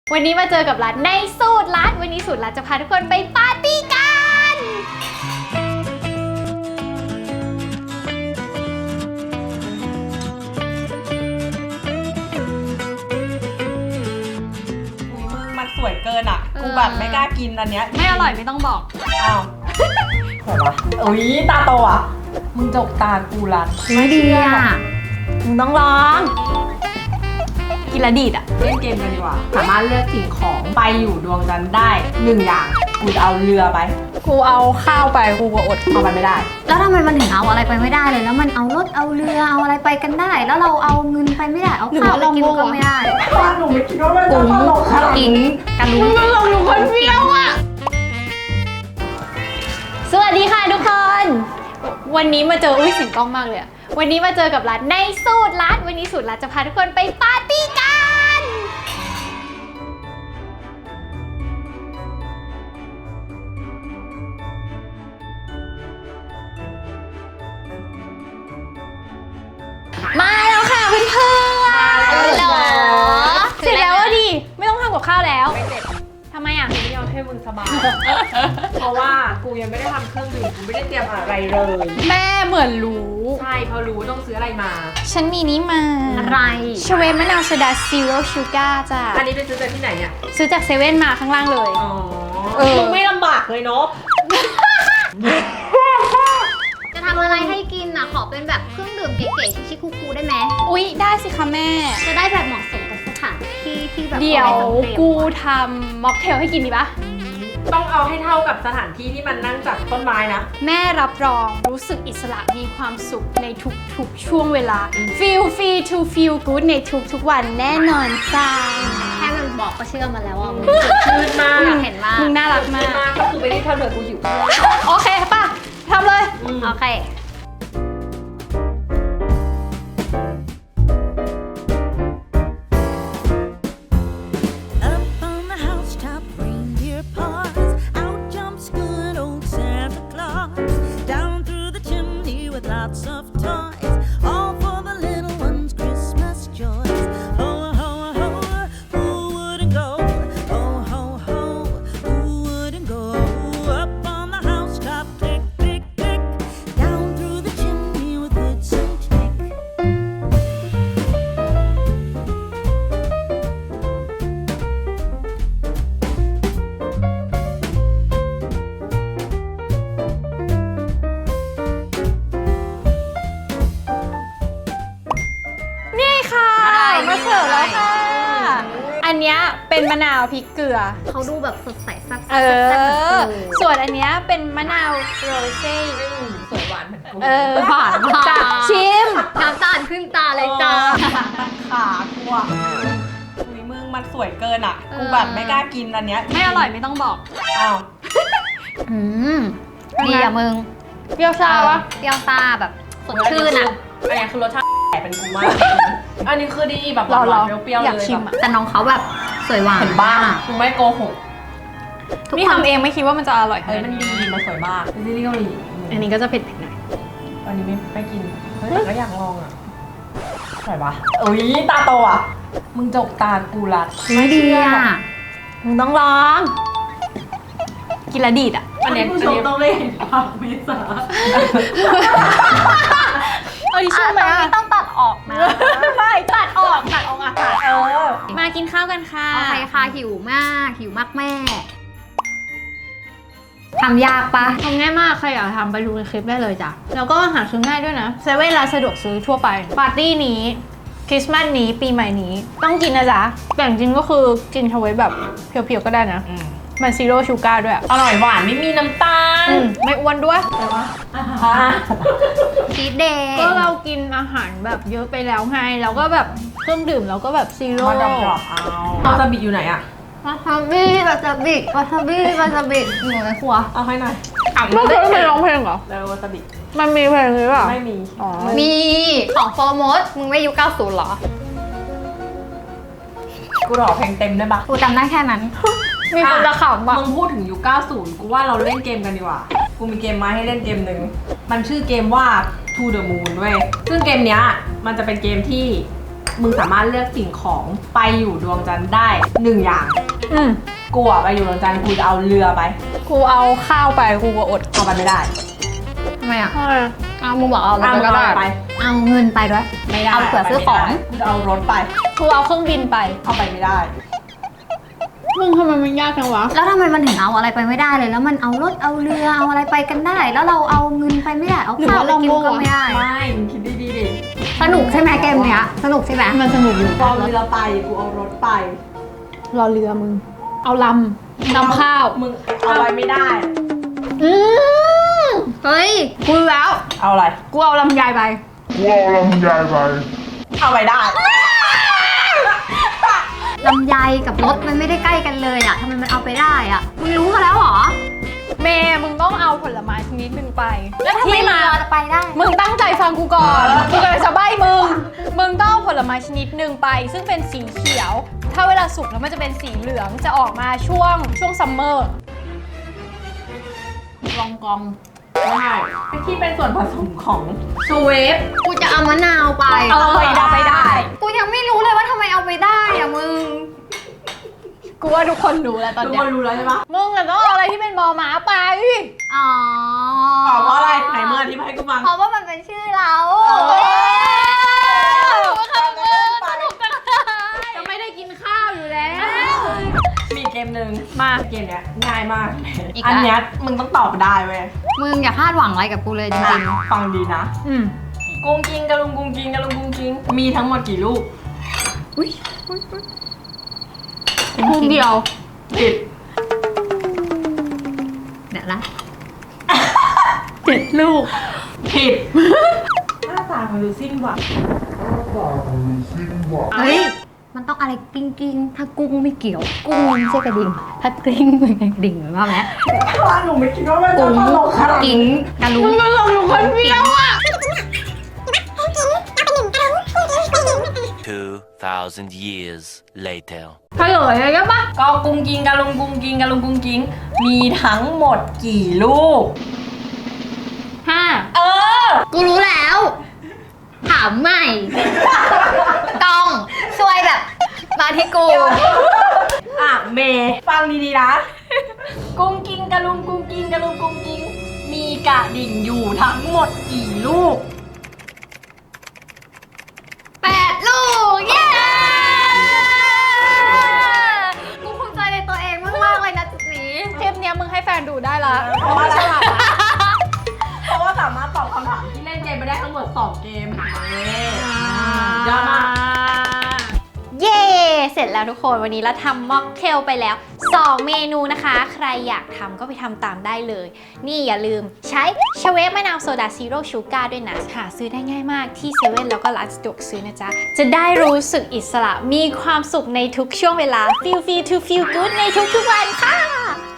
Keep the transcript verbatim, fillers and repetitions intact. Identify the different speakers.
Speaker 1: วันนี้มาเจอกับรัฐในสูตรรัฐวันนี้สูตรรัฐจะพาทุกคนไปปาร์ตี้กัน
Speaker 2: มันสวยเกินอ่ะกูแบบไม่กล้ากินอันเนี้ย
Speaker 1: ไม่อร่อยไม่ต้องบอก
Speaker 2: อ้าวโหวะอุ้ยตาโตอ่ะมึงจกตากูรัด
Speaker 1: ไม่ดีอ่ะมึงต้องลองกินละดีดอ่ะ
Speaker 2: เล่นเกมกันดีกว่าสามารถเลือกสิ่งของไปอยู่ดวงจันทร์ได้หนึ่งอย่างกูจะเอาเรือไป
Speaker 1: กูเอาข้าวไปกูก็อด
Speaker 2: เอาไปไม่ได้
Speaker 3: แล้วทำไมมันถึงเอาอะไรไปไม่ได้เลยแล้วมันเอารถเอาเรือเอาอะไรไปกันได้แล้วเราเอาเงินไปไม่ได้เอาข้าวไปกินก็ไม่ได้
Speaker 2: ป้าหนูไม่คิดว่ามันจะตลกขนาดนี้
Speaker 3: กันรู้
Speaker 1: มึงลงหนูคนเดียวอ่ะสวัสดีค่ะทุกคนวันนี้มาเจออุ้ยเสียงกล้องมากเลยอะวันนี้มาเจอกับรัฐในสูตรรัฐวันนี้สูตรรัฐจะพาทุกคนไปปาร์ตี้กันมาแล้วค่ะเพื่อนๆเหรอเสร็จแล้วดิไม่ต้องทำกับข้าวแล้ว
Speaker 2: ไม่เสร็จ
Speaker 1: ทำไมอ่ะ
Speaker 2: ไม่ยอมให้มึงสบายเพราะว่ากูยังไม่ได้ทำเครื่องดื่มกูไม่ได้เตรียมอะไรเลย
Speaker 1: แม่เหมือนรู้
Speaker 2: ใช่พอรู้ต้องซื้ออะไรมา
Speaker 1: ฉันมีนี่มา
Speaker 3: อะไร
Speaker 1: ชเวมะนาวโซดาซีโร่ชูการ์จ้ะ
Speaker 2: อันนี้ไปซื้อจากที่ไหนเนี่ย
Speaker 1: ซื้อจากเซเว่นมาข้างล่างเลย
Speaker 2: อ๋อมึงไม่ลำบากเลยเนาะ
Speaker 3: จะทำอะไรให้กินอ่ะขอเป็นแบบเครื่องดื่มเก๋ๆชิคๆคูลๆได้ไหม
Speaker 1: อุ๊ยได้สิคะแม่
Speaker 3: จะได้แบบเหมาะสมกับสถานที่ที่แบบ
Speaker 1: เดี๋ยวกูทำม็อกเทลให้กินดีปะ
Speaker 2: ต้องเอาให้เท่ากับสถานที่ที่มันนั่งจับต้นไม้นะ
Speaker 1: แม่รับรองรู้สึกอิสระมีความสุขในทุกๆช่วงเวลา feel free to feel good ในทุกๆวันแน่นอนจ้า
Speaker 3: แค่มันบอกก็เชื่อมาแล้วว่ามึง
Speaker 2: ชื่นมาก
Speaker 3: อยากเห็นมาก
Speaker 1: มึงน่ารักมาก
Speaker 2: ก็คือไปที่เท่าเดิมกูหิว
Speaker 1: โอเคป่ะทำเลย
Speaker 3: โอเค
Speaker 4: Lots of toys, all for the little ones' Christmas joys. Ho, ho, ho, who wouldn't go? Ho, ho, ho, who wouldn't go? Up on the housetop, click, click, click. Down through the chimney with boots and tick.
Speaker 1: มาเสิร์ฟแล้วค่ะอันเนี้ยเป็นมะนาวพริกเกลือ
Speaker 3: เขาดูแบบสดใสซับ
Speaker 1: เออส่วนอันเนี้ยเป็นมะนาวโรเซ่
Speaker 2: สวยหวานเหมือนกัน
Speaker 1: เออหวานมากชิม
Speaker 3: น้ำตาลขึ้นตาเลยจ้า
Speaker 2: ขากูอ่ะอุ้ยมึงมันสวยเกินอ่ะกูแบบไม่กล้ากินอันเนี้ย
Speaker 1: ไม่อร่อยไม่ต้องบอก
Speaker 2: อ้าว
Speaker 3: อืมดีอ่ะมึง
Speaker 1: เปรี้ยวซ่าวะ
Speaker 3: เปรี้ยวซ่าแบบสดชื่นอ่ะ
Speaker 2: อันนี้คือรสชาติแต่เป็นกูมากอันนี้คือดีแบบหวานเปรี้ยวๆเลย
Speaker 3: แต่น้องเขาแบบสวยหวาน
Speaker 2: เห็นบ้างกูไม่โกหก
Speaker 1: นี่ทำเองไม่คิดว่ามันจะอร่อย
Speaker 2: เฮ้ยมันดีมันสวยมากซีรีส์เกาหลี
Speaker 1: อันนี้ก็จะเผ็ดๆหน่อย
Speaker 2: อันนี้ไม่ไม่กินเฮ้ยแต่ก็อยากลองอ่ะสวยปะอุ้ยตาโตอ่ะมึงจกตากูรัด
Speaker 3: ไม่ดีอ่ะ
Speaker 1: มึงต้องลองกินละดีดอ่ะ
Speaker 2: อันนี้ผู้ชมต้องเล่นภาพเมษา
Speaker 1: เอ้ยช่วยไหม
Speaker 3: ไม่ต้องตัดออกนะ
Speaker 1: ไม่ตัดออกตัดออกอากาศเออมากินข้าวกันค่ะ
Speaker 3: โอเคค่ะหิวมากหิวมากแม่ทำยากปะ
Speaker 1: ทำง่ายมากใครอยากทำไปดูในคลิปได้เลยจ้ะแล้วก็หาซื้อง่ายด้วยนะเซเว่นร้านสะดวกซื้อทั่วไปปาร์ตี้นี้คริสต์มาสนี้ปีใหม่นี้ต้องกินนะจ๊ะแต่จริงก็คือกินเอาไว้แบบเพียวๆก็ได้นะมันซีโร่ชูการ์ด้วย
Speaker 2: อร่อยหวานไม่มีน้ำตาล
Speaker 1: ไม่อ้วนด้วย
Speaker 3: ชีสเดย์
Speaker 1: ก็เรากินอาหารแบบเยอะไปแล้วไงแล้วก็แบบเครื่องดื่มเราก็แบบซีโร่
Speaker 2: มาดรอปเอาวาซาบิอยู่ไหนอะ
Speaker 3: วาซาบิวาซาบิวาซาบิวาซาบิอยู่ในครัว
Speaker 2: เอาให้หน่อย
Speaker 1: ไม่เคยไม่ร้องเพลงเหรอ
Speaker 2: แล้ววาซาบิ
Speaker 1: มันมีเพลงหรือเปล่า
Speaker 2: ไม่มี
Speaker 3: อ๋อมีของโฟร์โมสมึงไม่ยุคเก้าสิบเหรอ
Speaker 2: กูรอเพลงเต็มได้ปะ
Speaker 3: กูจำได้แค่นั้น
Speaker 1: มีคนจะขำอ่ะ
Speaker 2: มึงพูดถึงยุคเก้าสิบกูว่าเราเล่นเกมกันดีกว่ากูมีเกมมาให้เล่นเกมหนึ่งมันชื่อเกมว่า To the Moon เว้ยซึ่งเกมเนี้ยมันจะเป็นเกมที่มึงสามารถเลือกสิ่งของไปอยู่ดวงจันทร์ได้หนึ่งอย่าง
Speaker 1: อืม
Speaker 2: กูอะไปอยู่ดวงจันทร์กูจะเอาเรือไป
Speaker 1: กูเอาข้าวไปกูก็อด
Speaker 2: เอาไปไม่ได้
Speaker 3: ทำไมอ่ะ
Speaker 1: เออ
Speaker 3: เอามึงบอกเอาอะไร
Speaker 2: เอา
Speaker 3: ไปก็ได้
Speaker 2: ไป
Speaker 3: เอาเงินไปด้วย
Speaker 2: ไม่ได้
Speaker 3: เอาเผื่อซื้อของ
Speaker 2: กูจะเอารถไป
Speaker 1: กูเอาเครื่องบินไป
Speaker 2: เอาไปไม่ได้
Speaker 1: มึงทำไมมันยากจังวะ
Speaker 3: แล้วทำไมมันถึงเอาอะไรไปไม่ได้เลย แล้วมันเอารถเอาเรือเอาอะไรไปกันได้ แล้วเราเอาเงินไปไม่ได้ เอาข้าวไปกินก็ไม่ได้
Speaker 2: ไม่มึงคิดดีๆดิ
Speaker 3: สนุกใช่ไหมเกมเนี้ย สนุกใช่ไหม
Speaker 1: มันสนุกอยู่
Speaker 2: กูเอาเรือไป กูเอารถไป
Speaker 1: รอเรือมึง เอาลำนำข้าว
Speaker 2: มึงเอาไปไม่ได้
Speaker 1: อืม
Speaker 3: เฮ้ย
Speaker 1: กูรู้แล้ว
Speaker 2: เอาอะไร
Speaker 1: กูเอาลำไยไป
Speaker 5: Well, I'm guy bye.
Speaker 2: เอาไปได้
Speaker 3: ลำไยกับรถมันไม่ได้ใกล้กันเลยอ่ะทำไมมันเอาไปได้อ่ะ มึงรู้กันแล้วเหรอ
Speaker 1: เมย์มึงต้องเอาผลไม้ชนิดหนึ่งไป แล้วที่มา
Speaker 3: เรือจะไปได้
Speaker 1: มึงตั้งใจฟังกูก่อน กูกำลังจะใบ้มึง มึงต้องเอาผลไม้ชนิดหนึ่งไป ซึ่งเป็นสีเขียว ถ้าเวลาสุกแล้วมันจะเป็นสีเหลือง จะออกมาช่วงช่วงซัมเมอร์
Speaker 2: ลองกองไม่ใช่ที่เป็นส่วนผสมของสเวฟ
Speaker 3: กูจะเอามะนาวไป
Speaker 2: เอาไปได้ไปได้
Speaker 3: กูยังไม่รู้เลยว่าทำไมเอาไปได้อ่ะมึง
Speaker 1: กูว่าทุกคนรู้แล้วตอน
Speaker 2: ทุก
Speaker 1: เนี้
Speaker 2: ค
Speaker 1: ย
Speaker 2: นรู้แล้วใช่ปะ
Speaker 1: มึงอะต้องเอาอะไรที่เป็นบอม้าไป
Speaker 3: อ๋อ
Speaker 2: อ๋อเพราะอะไรไหนเมื่อที่ให้กูฟัง
Speaker 3: เพราะว่ามันเป็นชื่อเรา
Speaker 1: จะไม่ได้กินข้าวอยู่แล้ว
Speaker 2: มีเกมหนึ่ง
Speaker 1: มา
Speaker 2: เกมเนี้ยง่ายมาก
Speaker 3: อีก
Speaker 2: อัน
Speaker 3: แล้ว
Speaker 2: เนี้ยมึงต้องตอบได้เว้ย
Speaker 3: มึงอย่าคาดหวังอะไรกับกูเลยจริง
Speaker 2: ฟังดีนะ
Speaker 1: อืม
Speaker 2: กุ้งกิงกะลุงกุ้งกิงกะลุงกุ้งกิงมีทั้งหมดกี่ลูก
Speaker 3: ๆ
Speaker 1: พุงเดียว
Speaker 2: ผิด
Speaker 3: เดี๋ยวละ
Speaker 1: เจ็ดลูก
Speaker 2: ผิดหน้าตามันดูสิ้นหวัง
Speaker 3: เฮ้ย มันต้องอะไรกิ้งกิ้งๆถ้ากุ้งไม่เกี่ยว กุ้งไม่ใช่กระดิ่ง ถ้ากริ้งเป็นกระดิ่งเหมือนว่าไหม
Speaker 2: ว่าหนูไม่คิดว่ามันจะ
Speaker 3: กุ้ง
Speaker 2: ตลกขนาด
Speaker 3: กิ้ง
Speaker 2: นี้
Speaker 3: กระลุง
Speaker 1: มึงก็ลงอยู่คนเดียวอ่ะ
Speaker 6: Two thousand years later.
Speaker 1: เฉลยเลยก็ปะ
Speaker 2: ก็กุ้งกิงกะลุงกุ้งกิงกะลุงกุ้งกิงมีทั้งหมดกี่ลูก
Speaker 1: ห้า
Speaker 2: เออ
Speaker 3: กูรู้แล้ว ถามใหม่ ต้องช่วยแบบ มาที่กู
Speaker 2: อ่ะเมย์ฟังดีๆนะ กุ้งกิงกะลุงกุ้งกิงกะลุงกุ้งกิงมีกระดิ่งอยู่ทั้งหมดกี่ลูก
Speaker 3: แปดลูก เย้ กูภูมิใจในตัวเองมาก ๆ เลยนะจุดนี้
Speaker 1: เทปเนี้ยมึงให้แฟนดูได้ละ
Speaker 2: เพราะว่าฉลาดนะเพราะว่าสามารถตอบคำถามที่เล่นเกมไปได้ทั้งหมดสองเกมเย้ยอดมาก
Speaker 1: เย้ เสร็จแล้วทุกคนวันนี้เราทำม็อกเทลไปแล้วสองเมนูนะคะ ใครอยากทำก็ไปทำตามได้เลย นี่อย่าลืมใช้ชเวฟมะนาวโซดาซีโร่ชูการ์ด้วยนะ หาซื้อได้ง่ายมากที่เซเว่นแล้วก็ร้านสะดวกซื้อนะจ๊ะ จะได้รู้สึกอิสระมีความสุขในทุกช่วงเวลา feel free to feel good ในทุกๆวันค่ะ